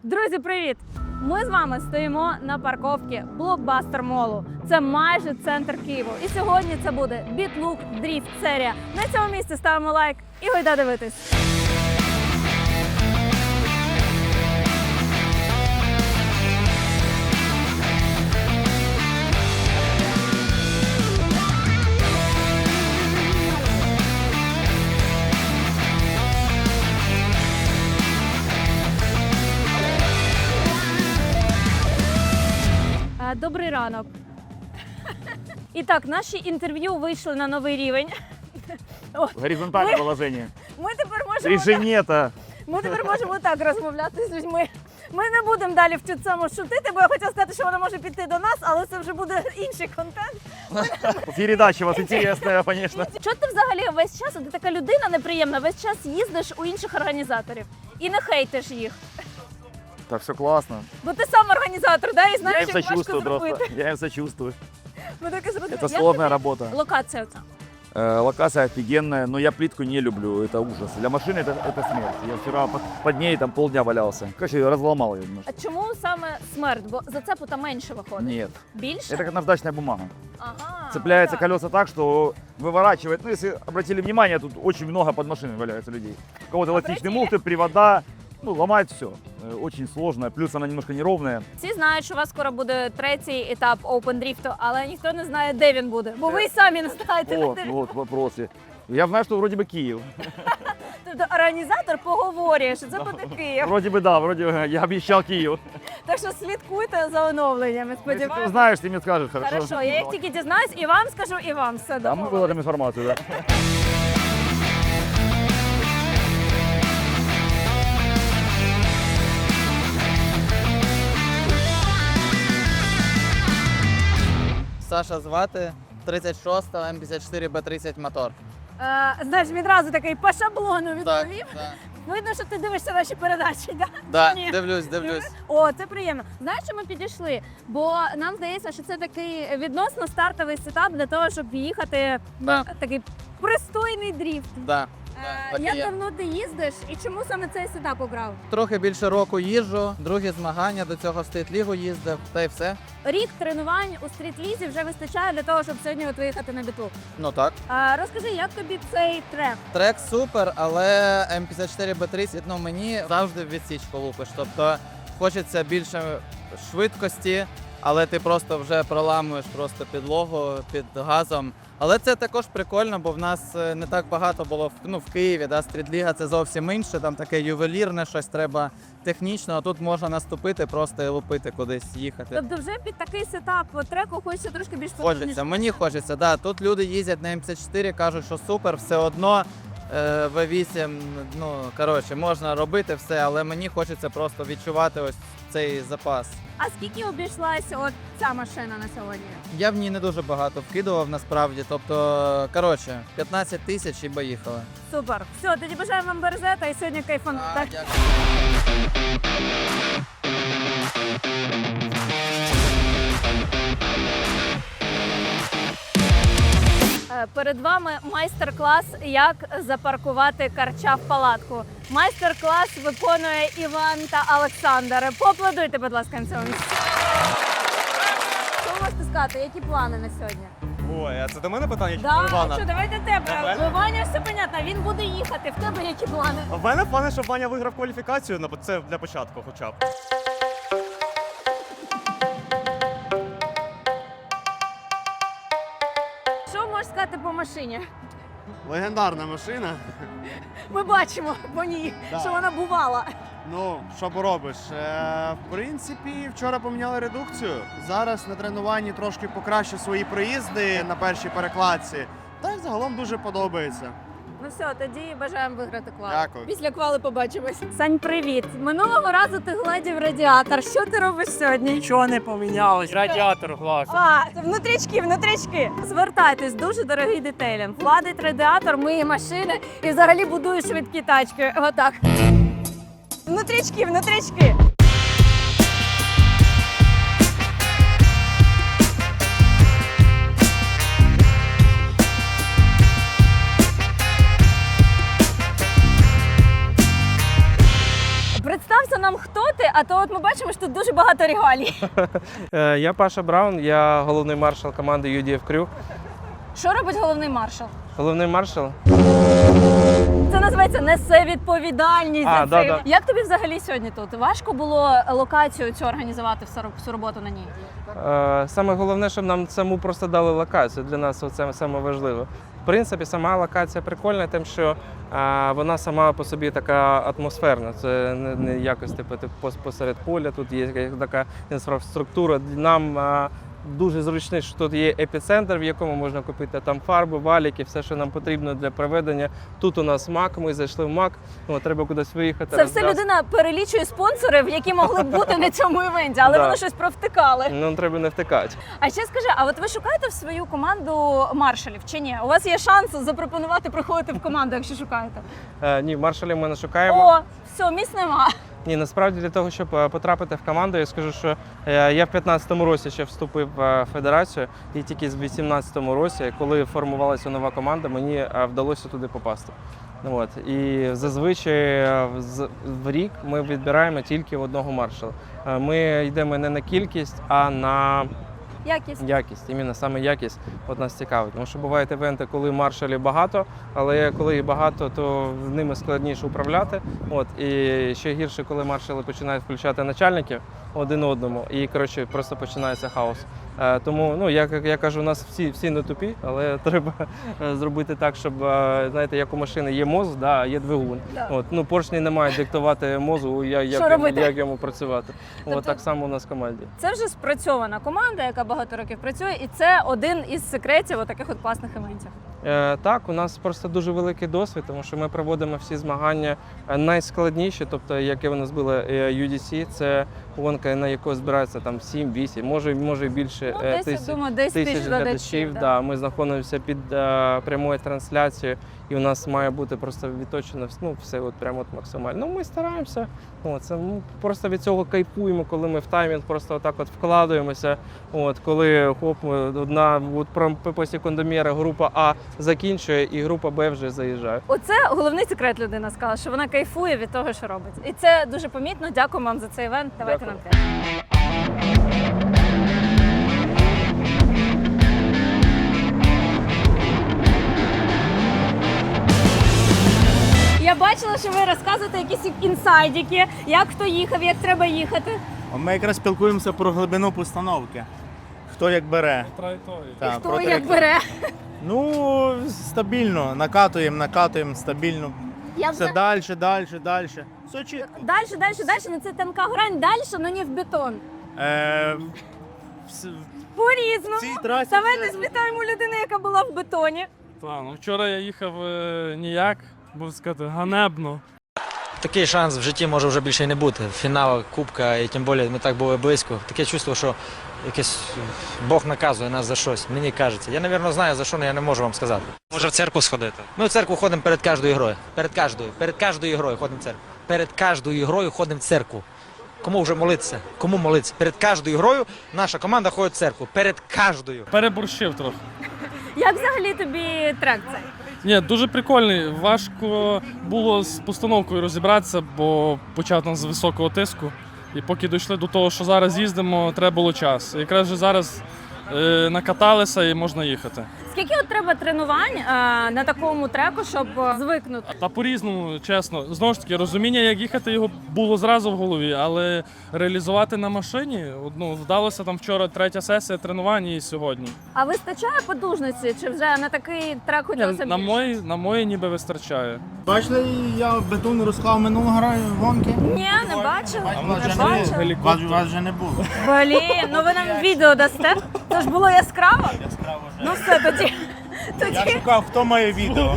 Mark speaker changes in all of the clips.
Speaker 1: Друзі, привіт! Ми з вами стоїмо на парковці Блокбастер Молу. Це майже центр Києва. І сьогодні це буде BitLook Drift серія. На цьому місці ставимо лайк і гайда дивитись. Добрий ранок. І так, наші інтерв'ю вийшли на новий рівень.
Speaker 2: Горизонтальное положение.
Speaker 1: Ми тепер можемо так розмовляти з людьми. Ми не будемо далі в цю цьому шутити, бо я хотіла сказати, що вона може піти до нас, але це вже буде інший контент.
Speaker 2: Передача у вас интересная, конечно.
Speaker 1: Чого ти взагалі весь час, ти така людина неприємна, весь час їздиш у інших організаторів і не хейтиш їх?
Speaker 2: Так, все классно.
Speaker 1: Бо ти сам організатор, да? І
Speaker 2: Я
Speaker 1: знаєш,
Speaker 2: им
Speaker 1: як важко
Speaker 2: сочувствую просто.
Speaker 1: зробити.
Speaker 2: Я им сочувствую.
Speaker 1: Это
Speaker 2: Это сложная работа.
Speaker 1: Локація оця.
Speaker 2: Локация офигенная, но я плитку не люблю, это ужас. Для машины это смерть. Я вчера под ней там полдня валялся. Короче, разломал ее немножко.
Speaker 1: А чому саме смерть? Бо зацепу менше виходить.
Speaker 2: Нет.
Speaker 1: Більше?
Speaker 2: Это как наждачная бумага.
Speaker 1: Ага,
Speaker 2: Цепляются
Speaker 1: так.
Speaker 2: колеса так, что выворачивает. Ну, если обратили внимание, тут очень много под машиной валяется людей. У кого-то эластичные муфты, привода. Ну, ломает все. Очень сложно. Плюс она немножко неровная.
Speaker 1: Всі знають, що у вас скоро буде третій етап Open Drift, але ніхто не знає, де він буде. Бо ви й самі не знаєте.
Speaker 2: Вот вопросы. Я знаю, что вроде бы Киев.
Speaker 1: Тобто організатор поговорює, що це буде Київ.
Speaker 2: Вроде бы да, вроде бы я обещал Киев.
Speaker 1: Так що слідкуйте за оновленнями,
Speaker 2: Если ты
Speaker 1: сподіваюся.
Speaker 2: знаешь, ты мне скажешь, хорошо?
Speaker 1: Хорошо, я як тільки дізнаюсь, і вам скажу, і вам все
Speaker 2: Да, мы
Speaker 1: домовились.
Speaker 2: выложим информацию, да.
Speaker 3: Саша звати, 36-го М54Б30 мотор.
Speaker 1: Знаєш, відразу такий по шаблону
Speaker 3: Так,
Speaker 1: відповів.
Speaker 3: так.
Speaker 1: Видно, що ти дивишся наші передачі, так?
Speaker 3: Да,
Speaker 1: Ні.
Speaker 3: дивлюсь.
Speaker 1: О, це приємно. Знаєш, що ми підійшли? Бо нам здається, що це такий відносно стартовий сетап для того, щоб їхати
Speaker 3: Да,
Speaker 1: такий пристойний дріфт.
Speaker 3: да. Так і
Speaker 1: Як
Speaker 3: є.
Speaker 1: давно ти їздиш і чому саме цей сетап обрав?
Speaker 3: Трохи більше року їжджу, другі змагання, до цього в стріт-лігу їздив, та й все.
Speaker 1: Рік тренувань у стріт-лізі вже вистачає для того, щоб сьогодні от виїхати на біту.
Speaker 3: Ну так.
Speaker 1: Розкажи, як тобі цей трек?
Speaker 3: Трек супер, але М54Б30, ну мені завжди в відсічку лупиш. Тобто хочеться більше швидкості, але ти просто вже проламуєш просто підлогу під газом. Але це також прикольно, бо в нас не так багато було в Києві. Да? Стрітліга це зовсім інше, там таке ювелірне, щось треба технічно, а тут можна наступити просто і лупити кудись їхати.
Speaker 1: Тобто вже під такий сетап треку хочеться трошки більш
Speaker 3: Хочеться, мені хочеться, да. Тут люди їздять на М54, кажуть, що супер, все одно V8, ну коротше, можна робити все, але мені хочеться просто відчувати ось цей запас.
Speaker 1: А скільки обійшлася от ця машина на сьогодні?
Speaker 3: Я в ній не дуже багато вкидував насправді, тобто, коротше, 15 тисяч і поїхали.
Speaker 1: Супер. Все, тоді бажаю вам березета і сьогодні кайфану. Так. Перед вами майстер-клас, як запаркувати карча в палатку. Майстер-клас виконує Іван та Олександр. Поаплодуйте, будь ласка, на цьому місці. Що ви можете сказати? Які плани на сьогодні?
Speaker 4: Ой, а це до мене питання чи
Speaker 1: Да,
Speaker 4: до Івана?
Speaker 1: що, давайте тебе.
Speaker 4: До мене?
Speaker 1: У Ваня все понятно, він буде їхати. В тебе які плани?
Speaker 4: В мене плани, щоб Ваня виграв кваліфікацію, це для початку хоча б.
Speaker 1: Що можеш сказати по машині?
Speaker 5: Легендарна машина.
Speaker 1: Ми бачимо по ній,
Speaker 5: Да.
Speaker 1: що вона бувала.
Speaker 5: Ну, що поробиш? В принципі, вчора поміняли редукцію. Зараз на тренуванні трошки покращу свої проїзди на першій перекладці. Та й загалом дуже подобається.
Speaker 1: Ну все, тоді бажаємо виграти квал.
Speaker 5: Дякую.
Speaker 1: Після квали побачимось. Сань, привіт. Минулого разу ти гладів радіатор. Що ти робиш сьогодні?
Speaker 6: Нічого не помінялось, радіатор глас.
Speaker 1: А, внутрічки. Звертайтесь, дуже дорогий детейлінг. Гладить радіатор, миє машини і взагалі будує швидкі тачки. Отак. Внутрічки. Представся нам, хто ти? А то от ми бачимо, що тут дуже багато регалій.
Speaker 6: Я Паша Браун, я головний маршал команди UDF Crew.
Speaker 1: Що робить головний маршал?
Speaker 6: Головний маршал?
Speaker 1: Це називається несе відповідальність за це.
Speaker 6: Да.
Speaker 1: Як тобі взагалі сьогодні тут? Важко було локацію цю організувати, всю роботу на ній?
Speaker 6: Саме головне, щоб нам саму просто дали локацію. Для нас це саме важливо. В принципі, сама локація прикольна, тим, що вона сама по собі така атмосферна. Це не якось типу посеред поля, тут є така інфраструктура. Нам дуже зручно, що тут є епіцентр, в якому можна купити там фарби, валіки, все, що нам потрібно для проведення. Тут у нас МАК, ми зайшли в МАК, треба кудись виїхати.
Speaker 1: Це все людина перелічує спонсорів, які могли б бути на цьому івенті, але
Speaker 6: Да.
Speaker 1: вони щось провтикали.
Speaker 6: Нам треба не втикати.
Speaker 1: А ще скажи, а от ви шукаєте в свою команду маршалів чи ні? У вас є шанс запропонувати приходити в команду, якщо шукаєте?
Speaker 6: Ні, маршалів ми не шукаємо.
Speaker 1: О, все, місць нема.
Speaker 6: Ні, насправді для того, щоб потрапити в команду, я скажу, що я в 15-му році ще вступив в федерацію, і тільки в 18-му році, коли формувалася нова команда, мені вдалося туди попасти. От. І зазвичай в рік ми відбираємо тільки одного маршала. Ми йдемо не на кількість, а на якість. Іменно саме якість от нас цікавить. Тому що бувають івенти, коли маршалів багато, але коли їх багато, то з ними складніше управляти. От. І ще гірше, коли маршали починають включати начальників один одному, і коротше, просто починається хаос. Тому, я кажу, у нас всі не тупі, але треба зробити так, щоб, знаєте, як у машини є мозок, да, є двигун.
Speaker 1: Да.
Speaker 6: От. Поршні не мають диктувати мозку, як йому працювати.
Speaker 1: Тобто,
Speaker 6: От, так само у нас в команді.
Speaker 1: Це вже спрацьована команда, яка багато років працює, і це один із секретів таких от класних івентів.
Speaker 6: Так, у нас просто дуже великий досвід, тому що ми проводимо всі змагання найскладніші, тобто, яке у нас було UDC, це гонка, на яку збирається там 7-8, може і більше тисяч глядачів. Да. Ми знаходимося під прямою трансляцією, і у нас має бути просто відточено все от прямо от максимально. Ми стараємося, ми просто від цього кайфуємо, коли ми в таймінг просто отак от вкладаємося, коли одна по секундоміру група А закінчує і група Б вже заїжджає.
Speaker 1: Оце головний секрет людина сказала, що вона кайфує від того, що робить. І це дуже помітно. Дякую вам за цей івент. Давайте нам п'ять. Я бачила, що ви розказуєте якісь інсайдики, як хто їхав, як треба їхати.
Speaker 7: Ми якраз спілкуємося про глибину постановки. Хто як бере. Так,
Speaker 1: Хто
Speaker 7: про
Speaker 1: як бере.
Speaker 7: Ну, стабільно. Накатуємо стабільно. Все далі. Все чітко.
Speaker 1: Дальше, ну це тонка грань, дальше, но не в бетон. По-різному.
Speaker 7: цій трасі
Speaker 1: Давайте спитаємо людини, яка була в бетоні.
Speaker 6: Вчора я їхав ніяк, був сказати, ганебно.
Speaker 8: Такий шанс в житті може вже більше й не бути. Фінал, кубка, і тим більше ми так були близько. Таке чувство, що якесь Бог наказує нас за щось, мені кажеться. Я, мабуть, знаю, за що, але я не можу вам сказати.
Speaker 9: Може в церкву сходити?
Speaker 8: Ми в церкву ходимо перед кожною грою. Перед кожною грою ходимо в церкву. Перед кожною грою ходимо в церкву. Кому вже молитися? Кому молитися? Перед кожною грою наша команда ходить в церкву. Перед кожною.
Speaker 6: Переборщив трохи.
Speaker 1: Як взагалі тобі трек цей?
Speaker 6: Ні, дуже прикольний. Важко було з постановкою розібратися, бо почав там з високого тиску. І поки дійшли до того, що зараз їздимо, треба було час. Якраз вже зараз накаталися і можна їхати.
Speaker 1: Скільки от треба тренувань на такому треку, щоб звикнути?
Speaker 6: Та по-різному, чесно. Знову ж таки, розуміння, як їхати, його було зразу в голові, але реалізувати на машині, вдалося там вчора 3-я сесія тренувань і сьогодні.
Speaker 1: А вистачає потужності, чи вже на такий трек хотілося б більше?
Speaker 6: На мої ніби вистачає.
Speaker 7: Бачили, я бетон розклав минулого гонки.
Speaker 1: Ні, не бачила.
Speaker 7: А вас
Speaker 1: Не
Speaker 7: вже не
Speaker 1: бачила.
Speaker 7: було. Вас вже не було.
Speaker 1: Блін, ну ви нам відео дасте. Це ж було яскраво.
Speaker 7: Яскраво вже.
Speaker 1: Ну все, тоді.
Speaker 7: Я шукав, хто має відео.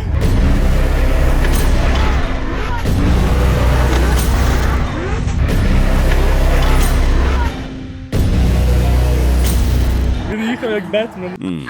Speaker 6: Він їхав як Бетмен.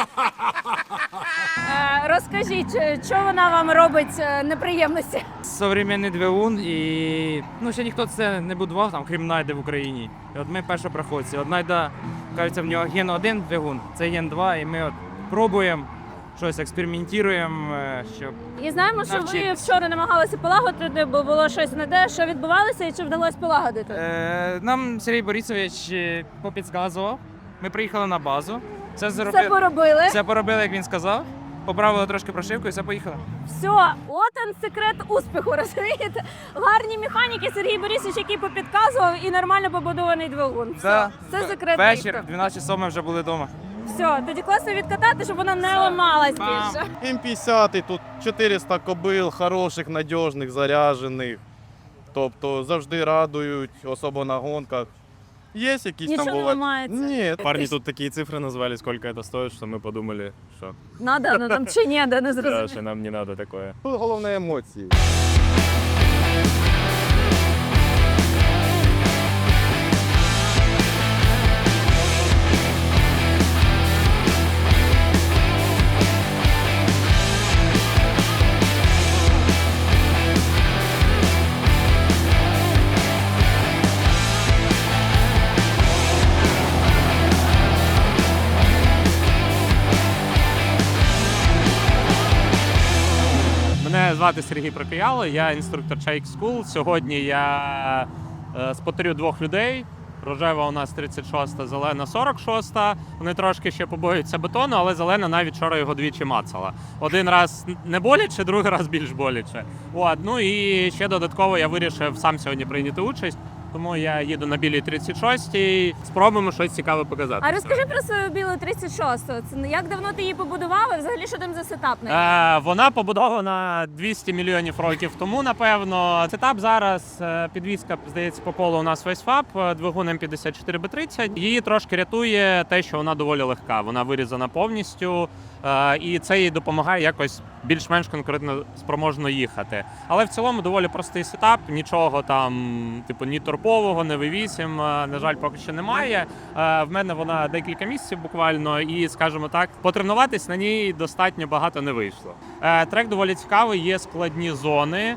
Speaker 1: Розкажіть, що вона вам робить неприємності?
Speaker 10: Современний двигун і ще ніхто це не будував, там, крім Найди в Україні. І от ми першопроходці. От Найда, кажеться, в нього ген 1 двигун, це ген 2, і ми от пробуємо, щось експериментуємо, щоб
Speaker 1: І знаємо, що ви
Speaker 10: Навчитись.
Speaker 1: вчора намагалися полагодити, бо було щось не те, що відбувалося і чи вдалося полагодити.
Speaker 10: нам Сергій Борисович попідказував. Ми приїхали на базу.
Speaker 1: Все поробили.
Speaker 10: Все поробили, як він сказав. Поправили трошки прошивку і все поїхали.
Speaker 1: Все, от він секрет успіху, розумієте? Гарні механіки, Сергій Борисович, який попідказував, і нормально побудований двигун. Все,
Speaker 10: Да.
Speaker 1: це секрет
Speaker 10: Вечір,
Speaker 1: успіху.
Speaker 10: 12 часов ми вже були вдома.
Speaker 1: Все, тоді класно відкатати, щоб вона не ламалась
Speaker 10: Бам.
Speaker 1: більше.
Speaker 5: М50, тут 400 кобил, хороших, надіжних, заряджених. Тобто завжди радують, особливо на гонках. Є якісь
Speaker 1: Нічого
Speaker 5: там
Speaker 1: не
Speaker 5: бувають?
Speaker 1: ламається.
Speaker 5: Ні,
Speaker 4: Парни тут такие цифры назвали, сколько это стоит, что мы подумали, что
Speaker 1: Надо, ну там чи ні, де не зрозуміло.
Speaker 4: нам не надо такое.
Speaker 5: тут головне емоції.
Speaker 9: Мене звати Сергій Прокияло, я інструктор Chike School. Сьогодні я спотерю двох людей. Рожева у нас 36-та, зелена 46-та. Вони трошки ще побоюються бетону, але зелена навіть вчора його двічі мацала. Один раз не боляче, другий раз більш боляче. От, ну і ще додатково я вирішив сам сьогодні прийняти участь. Тому я їду на білій 36-й, спробуємо щось цікаве показати.
Speaker 1: А розкажи про свою білу 36-ту. Це як давно ти її побудував і взагалі що там за сетап?
Speaker 9: Вона побудована 200 мільйонів років тому, напевно. Сетап зараз, підвізка, здається, по колу у нас весь фаб, двигун М54Б30. Її трошки рятує те, що вона доволі легка. Вона вирізана повністю, і це їй допомагає якось більш-менш конкретно спроможно їхати. Але в цілому доволі простий сетап, нічого там, типу, ні торпового, ні V8, на жаль, поки що немає. В мене вона декілька місяців буквально, і, скажімо так, потренуватись на ній достатньо багато не вийшло. Трек доволі цікавий, є складні зони.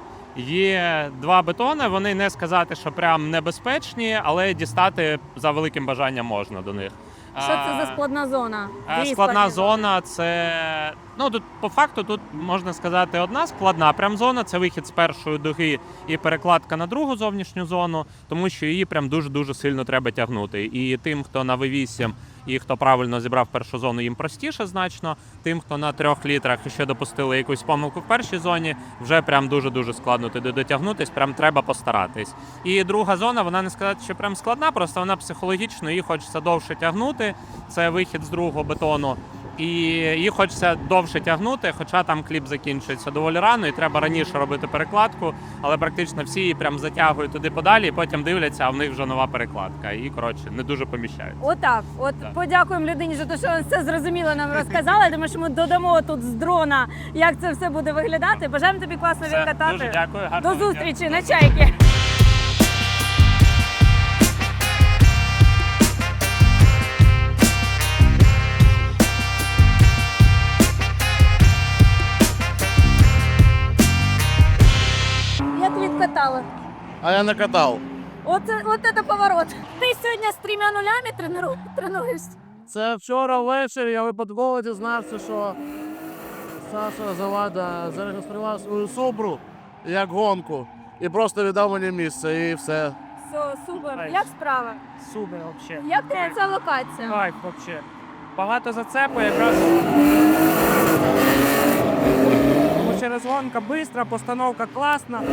Speaker 9: Є два бетони, вони не сказати, що прям небезпечні, але дістати за великим бажанням можна до них.
Speaker 1: Що це за складна зона? Дві
Speaker 9: Складна
Speaker 1: складні
Speaker 9: зона це, ну тут по факту тут можна сказати одна складна прям зона, це вихід з першої дуги і перекладка на другу зовнішню зону, тому що її прям дуже-дуже сильно треба тягнути. І тим, хто на V8 і хто правильно зібрав першу зону, їм простіше значно. Тим, хто на 3 літрах і ще допустили якусь помилку в першій зоні, вже прям дуже-дуже складно туди дотягнутись, прям треба постаратись. І друга зона, вона не сказати, що прям складна, просто вона психологічно, її хочеться довше тягнути. Це вихід з другого бетону. І її хочеться довше тягнути, хоча там кліп закінчується доволі рано, і треба раніше робити перекладку, але практично всі її прям затягують туди подалі, і потім дивляться, а в них вже нова перекладка. І, коротше, не дуже поміщають.
Speaker 1: Отак. От
Speaker 9: Так.
Speaker 1: подякуємо людині за те, що все зрозуміло нам розказала. Я думаю, що ми додамо тут з дрона, як це все буде виглядати. Бажаємо тобі класно
Speaker 9: Все,
Speaker 1: відкатати.
Speaker 9: дуже дякую,
Speaker 1: До
Speaker 9: гарного дня.
Speaker 1: зустрічі на чайки. Як відкатали?
Speaker 5: А я не катав.
Speaker 1: От це поворот. Ти сьогодні з 3 нулями тренуєшся?
Speaker 11: Це вчора ввечері я випадково дізнався, що Саша Завада зареєстрував свою Субру як гонку і просто віддав мені місце і все.
Speaker 1: Все, супер. Як справа?
Speaker 10: Супер, взагалі.
Speaker 1: Як тобі ця локація?
Speaker 10: Кайф, взагалі. Багато зацепу, якраз. Тому через гонка швидка, постановка класна.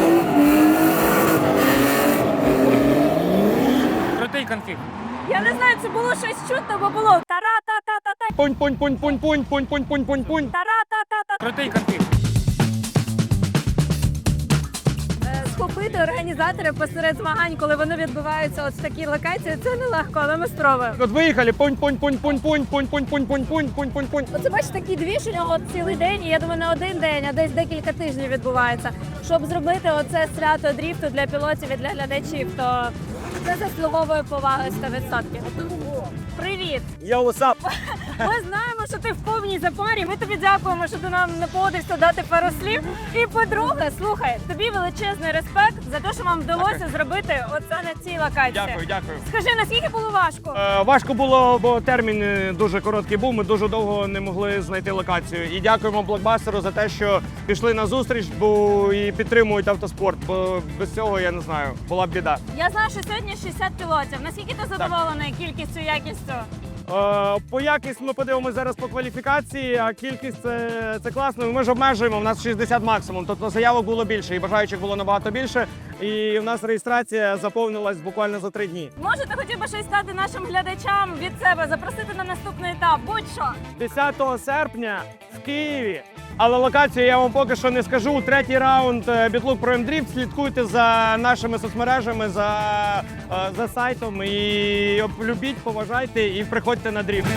Speaker 10: Крутий конфіг.
Speaker 1: Я не знаю, чи було щось чутно, бо було тара-та-та-та-та,
Speaker 2: Пунь-пунь-пунь-пунь-пунь-пунь-пунь-пунь-пунь.
Speaker 1: тара-та-та-та-та.
Speaker 10: Крутий конфіг.
Speaker 1: Схопити організатори посеред змагань, коли вони відбуваються от в такій локації, це нелегко, але ми спробуємо.
Speaker 2: Вот выехали, пунь-пунь-пунь-пунь-пунь-пунь-пунь-пунь-пунь-пунь-пунь.
Speaker 1: Оце бачиш, такий двіж у нього цілий день, і я думаю, не один день, а десь декілька тижнів відбувається. Щоб зробити оце свято дріфту для пілотів і для глядачів, то це заслуговує поваги 100%. Привіт!
Speaker 2: Yo, what's up?
Speaker 1: Ми знаємо, що ти в повній запарі. Ми тобі дякуємо, що ти нам не погодився дати пару слів. І по-друге, слухай, тобі величезний респект за те, що вам вдалося зробити оце на цій локації.
Speaker 7: Дякую.
Speaker 1: Скажи, наскільки було важко?
Speaker 7: Важко було, бо термін дуже короткий був. Ми дуже довго не могли знайти локацію. І дякуємо блокбастеру за те, що пішли на зустріч, бо і підтримують автоспорт. Бо без цього, я не знаю, була б біда.
Speaker 1: Я знаю, що сьогодні 60 пілотів. Наскільки ти задоволений кількістю, якістю?
Speaker 7: По якість ми подивимося зараз по кваліфікації, а кількість це класно. Ми ж обмежуємо, у нас 60 максимум, тобто заявок було більше і бажаючих було набагато більше. І в нас реєстрація заповнилась буквально за 3 дні.
Speaker 1: Може, ти хотів би щось сказати нашим глядачам від себе, запросити на наступний етап, будь-що.
Speaker 7: 10 серпня в Києві. Але локацію я вам поки що не скажу. 3-й раунд Bitlook Pro M-Drift. Слідкуйте за нашими соцмережами, за сайтом. І любіть, поважайте і приходьте на дріфт.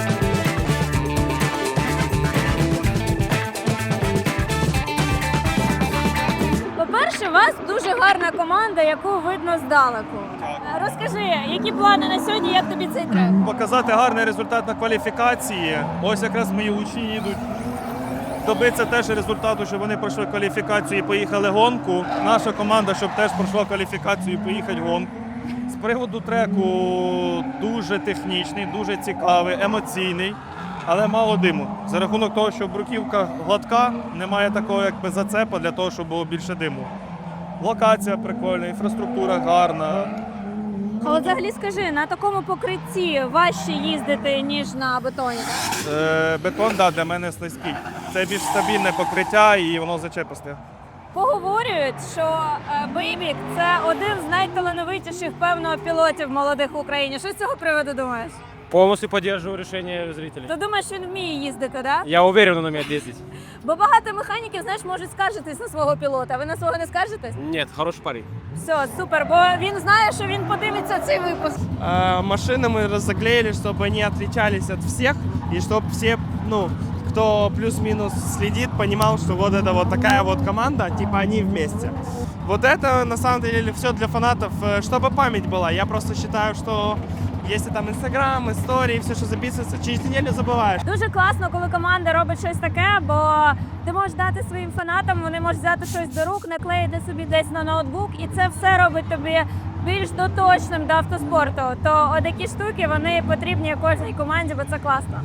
Speaker 1: По-перше, у вас дуже гарна команда, яку видно здалеку. Розкажи, які плани на сьогодні, як тобі цей трек?
Speaker 4: Показати гарний результат на кваліфікації. Ось якраз мої учні їдуть. Добитися теж результату, щоб вони пройшли кваліфікацію і поїхали гонку. Наша команда, щоб теж пройшла кваліфікацію і поїхати гонку. З приводу треку дуже технічний, дуже цікавий, емоційний, але мало диму. За рахунок того, що бруківка гладка, немає такого якби зацепа для того, щоб було більше диму. Локація прикольна, інфраструктура гарна.
Speaker 1: Але взагалі скажи, на такому покритті важче їздити, ніж на бетоні?
Speaker 4: Бетон, для мене слизький. Це більш стабільне покриття і воно зачеписте.
Speaker 1: Поговорюють, що Бейбік – це один з найталановитіших, певно, пілотів молодих в Україні. Що з цього приводу думаєш?
Speaker 10: Полностью поддерживаю решение зрителей.
Speaker 1: Ти думаєш, він вміє їздити, да?
Speaker 10: Я уверен, он умеет ездить.
Speaker 1: Бо багато механіків, знаєш, можуть скаржитись на свого пілота. Ви на свого не скаржитесь?
Speaker 10: Нет, хороший парень.
Speaker 1: Все, супер, бо він знає, що він подивиться цей випуск.
Speaker 7: Машины мы заклеили, чтобы они отличались от всех, и чтобы все, кто плюс-минус следит, понимал, что вот это вот такая вот команда, типа они вместе. Вот это на самом деле все для фанатов, чтобы память была. Я просто считаю, что если там Инстаграм, истории, все, что записывается, через неделю забываешь.
Speaker 1: Дуже класно, коли команда робить щось таке, бо ти можеш дати своїм фанатам, вони можуть взяти щось до рук, наклеїти собі десь на ноутбук, і це все робить тобі більш доточним до автоспорту. То отакі штуки, вони потрібні кожній команді, бо це класно.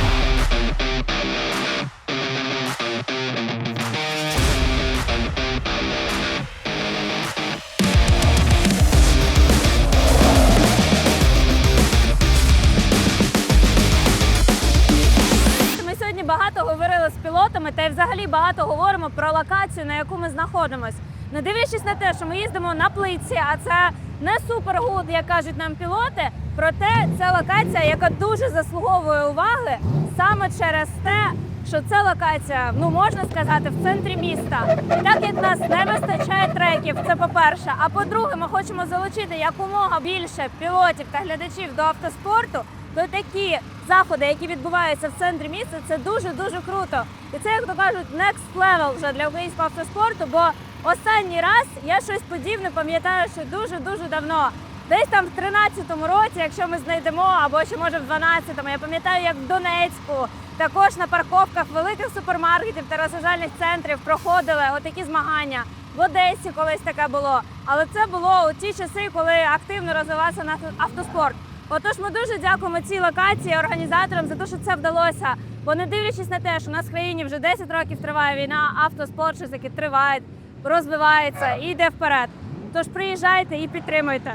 Speaker 1: Багато говорили з пілотами та й взагалі багато говоримо про локацію, на яку ми знаходимося. Не дивлячись на те, що ми їздимо на плитці, а це не супергуд, як кажуть нам пілоти, проте це локація, яка дуже заслуговує уваги саме через те, що це локація, можна сказати, в центрі міста. І так як нас не вистачає треків, це по-перше, а по-друге, ми хочемо залучити якомога більше пілотів та глядачів до автоспорту, то такі заходи, які відбуваються в центрі міста, це дуже-дуже круто. І це, як то кажуть, next level вже для українського автоспорту, бо останній раз я щось подібне пам'ятаю, що дуже-дуже давно. Десь там в 13-му році, якщо ми знайдемо, або ще може в 12-му, я пам'ятаю, як в Донецьку, також на парковках великих супермаркетів та розважальних центрів проходили отакі змагання. В Одесі колись таке було. Але це було у ті часи, коли активно розвивався наш автоспорт. Отож, ми дуже дякуємо цій локації, організаторам за те, що це вдалося. Бо не дивлячись на те, що у нас в країні вже 10 років триває війна, автоспорт щось таки триває, розвивається і йде вперед. Тож приїжджайте і підтримуйте.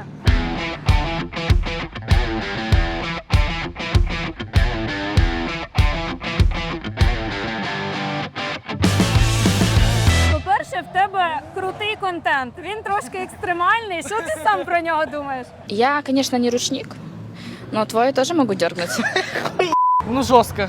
Speaker 1: По-перше, в тебе крутий контент. Він трошки екстремальний. Що ти сам про нього думаєш?
Speaker 12: Я, конечно, не ручник, но твой тоже могу дергнуть.
Speaker 10: Жестко.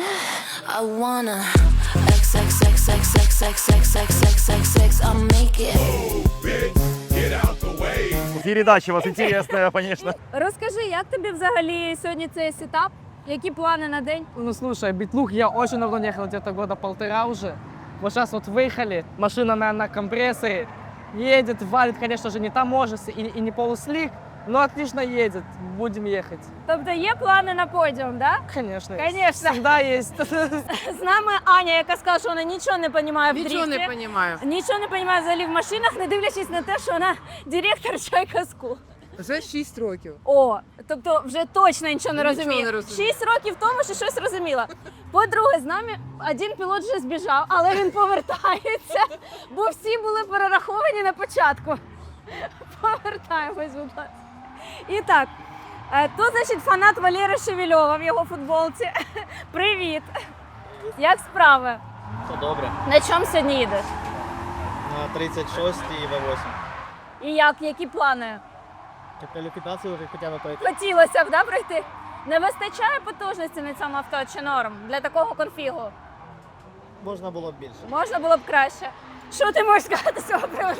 Speaker 2: Передача у вас интересная, конечно.
Speaker 1: Розкажи, як тобі взагалі сьогодні цей сетап? Які плани на день?
Speaker 10: Слушай, Bitlook я очень давно не ехал, где-то года полтора уже. Вот сейчас вот выехали, машина на компрессоре, едет, валит, конечно же, не таможится и не полуслик, Ну, отлично едет, будем ехать.
Speaker 1: Тобто є плани на подіум, да?
Speaker 10: Конечно.
Speaker 1: Конечно.
Speaker 10: Всегда есть.
Speaker 1: З нами Аня, яка сказала, що вона нічого не розуміє в дріфті.
Speaker 13: Нічого не розумію.
Speaker 1: Нічого не розуміє взагалі в машинах, не дивлячись на те, що вона директор Чайка Скул.
Speaker 13: Вже 6 років.
Speaker 1: О, тобто вже точно нічого не
Speaker 13: Нічого
Speaker 1: розуміє.
Speaker 13: не розумію.
Speaker 1: 6 років тому, що щось розуміла. По-друге, з нами один пілот вже збіжав, але він повертається, бо всі були перераховані на початку. Повертаємось, будь ласка. І так, тут, значить, фанат Валери Шевельова в його футболці. Привіт! Як справи?
Speaker 3: Все добре.
Speaker 1: На чому сьогодні їдеш?
Speaker 3: На 36 і В8.
Speaker 1: І як? Які плани?
Speaker 3: Кваліфікацію вже хоча б пройти.
Speaker 1: Хотілося б, да, пройти? Не вистачає потужності на цьому авто чи норм для такого конфігу?
Speaker 3: Можна було б більше.
Speaker 1: Можна було б краще. Що ти можеш сказати з цього приводу?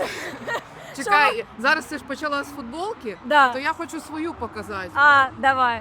Speaker 13: Чекай, зараз ти ж почала з футболки,
Speaker 1: Да.
Speaker 13: то я хочу свою показати.
Speaker 1: А, давай.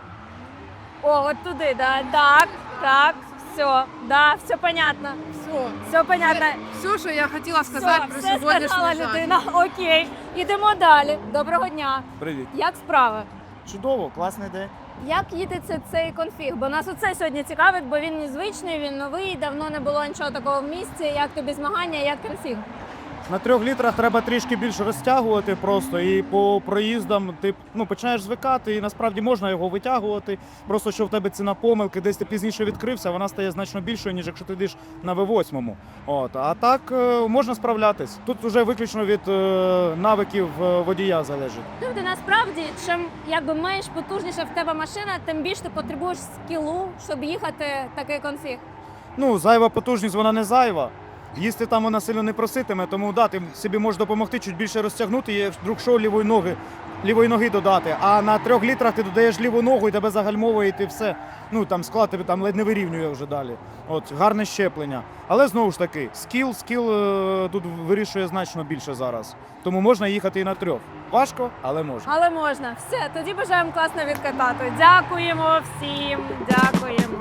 Speaker 1: О, от туди, да. Так, все, да, все понятно. Все понятно.
Speaker 13: Все, що я хотіла сказати про
Speaker 1: все
Speaker 13: сьогоднішній
Speaker 1: сказала
Speaker 13: жарт.
Speaker 1: людина. Окей, ідемо далі. Доброго дня.
Speaker 2: Привіт.
Speaker 1: Як справи?
Speaker 2: Чудово, класний день.
Speaker 1: Як їдеться цей конфіг? Бо нас оце сьогодні цікавить, бо він незвичний, він новий, давно не було нічого такого в місті. Як тобі змагання, як конфіг?
Speaker 14: На 3 літрах треба трішки більше розтягувати просто, і по проїздам ти починаєш звикати, і насправді можна його витягувати. Просто що в тебе ціна помилки, десь ти пізніше відкрився, вона стає значно більшою, ніж якщо ти йдеш на V8. А так можна справлятись. Тут вже виключно від навиків водія залежить.
Speaker 1: Тобто насправді, чим якби менш потужніша в тебе машина, тим більше ти потребуєш скілу, щоб їхати такий конфіг.
Speaker 14: Зайва потужність, вона не зайва. Їсти там вона сильно не проситиме, тому ти собі можеш допомогти чуть більше розтягнути і вдруг що лівої ноги додати. А на 3 літрах ти додаєш ліву ногу і тебе загальмовує, і ти все. Там склад тебе там ледь не вирівнює вже далі. Гарне щеплення. Але знову ж таки, скіл тут вирішує значно більше зараз. Тому можна їхати і на 3. Важко, але можна.
Speaker 1: Але можна. Все, тоді бажаємо класно відкатати. Дякуємо всім, дякуємо.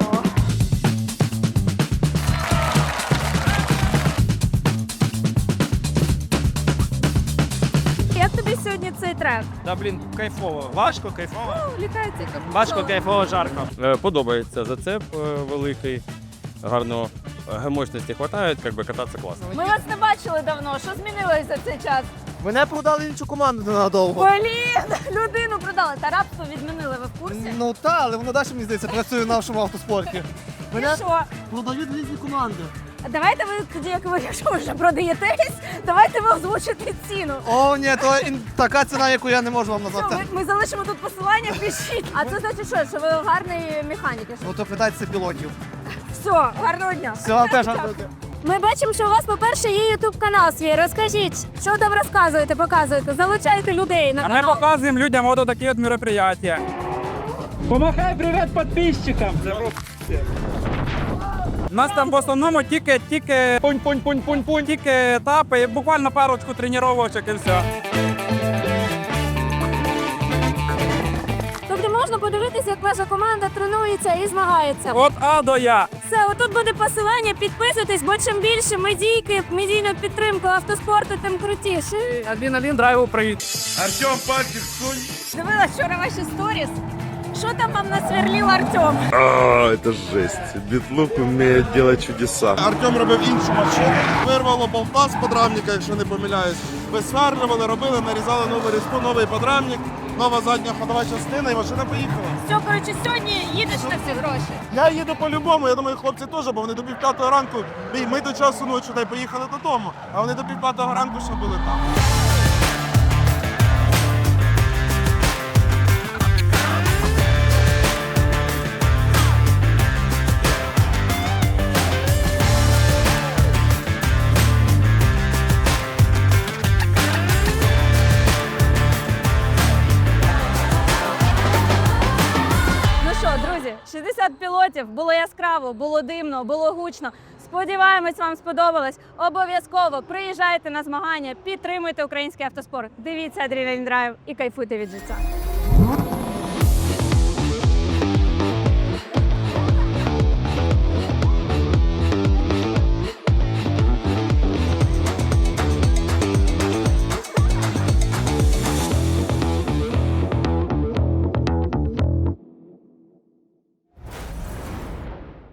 Speaker 1: Як тобі сьогодні цей трек?
Speaker 6: Да, блін, кайфово. Важко, кайфово.
Speaker 1: Літається
Speaker 6: Важко, кайфово, жарко.
Speaker 15: Подобається зацеп великий, гарно мощності вистачає, кататися класно.
Speaker 1: Ми вас не бачили давно. Що змінилось за цей час?
Speaker 3: Мене продали іншу команду ненадовго.
Speaker 1: Блін, людину продали. Та рабство відмінили, ви в курсі?
Speaker 3: Ну так, але воно далі, мені здається, працює в нашому автоспорті.
Speaker 1: І що?
Speaker 3: Продають різні команди.
Speaker 1: Давайте ви тоді, як ви якщо ви вже продаєтесь, давайте ви озвучите ціну.
Speaker 3: О, ні, то така ціна, яку я не можу вам
Speaker 1: Що,
Speaker 3: назвати.
Speaker 1: ми залишимо тут посилання, пишіть. А це значить що? Що ви гарний механік?
Speaker 3: Ну то питайтеся пілотів.
Speaker 1: Все, гарного дня.
Speaker 3: Все, вам теж гарного дня.
Speaker 1: Ми бачимо, що у вас, по-перше, є ютуб-канал свій. Розкажіть, що там розказуєте, показуєте, залучаєте людей на
Speaker 10: А
Speaker 1: канал.
Speaker 10: ми показуємо людям от такі от мероприятия. Помахай привіт підписчикам. У нас там в основному тільки пунь-пунь-пунь-пунь-пунь, тільки етапи, і буквально парочку тренувачок і все.
Speaker 1: Тобто можна подивитися, як ваша команда тренується і змагається.
Speaker 10: От А до Я.
Speaker 1: Все, отут буде посилання, підписуйтесь, бо чим більше медійну підтримку автоспорту, тим крутіше.
Speaker 10: Адреналін, драйву, привіт.
Speaker 4: Артем Парків, сунь.
Speaker 1: Дивилась вчора ваші сторіс. Що там вам насверлів Артем?
Speaker 16: Это жесть. Битлук умеет делать чудеса.
Speaker 5: Артем робив іншу машину. Вирвало болта з подрамника, якщо не помиляюсь. Висверлювали, робили, нарізали нову різьбу, новий подрамник, нова задня ходова частина і машина поїхала.
Speaker 1: Все, коротше, сьогодні їдеш на всі гроші.
Speaker 5: Я їду по-любому, я думаю, хлопці теж, бо вони до 5:30 ранку, ми до часу ночі та й поїхали додому, а вони до 5:30 ранку ще були там.
Speaker 1: Ну що, друзі, 60 пілотів, було яскраво, було димно, було гучно. Сподіваємось, вам сподобалось. Обов'язково приїжджайте на змагання, підтримуйте український автоспорт. Дивіться Adrenaline Drive і кайфуйте від життя.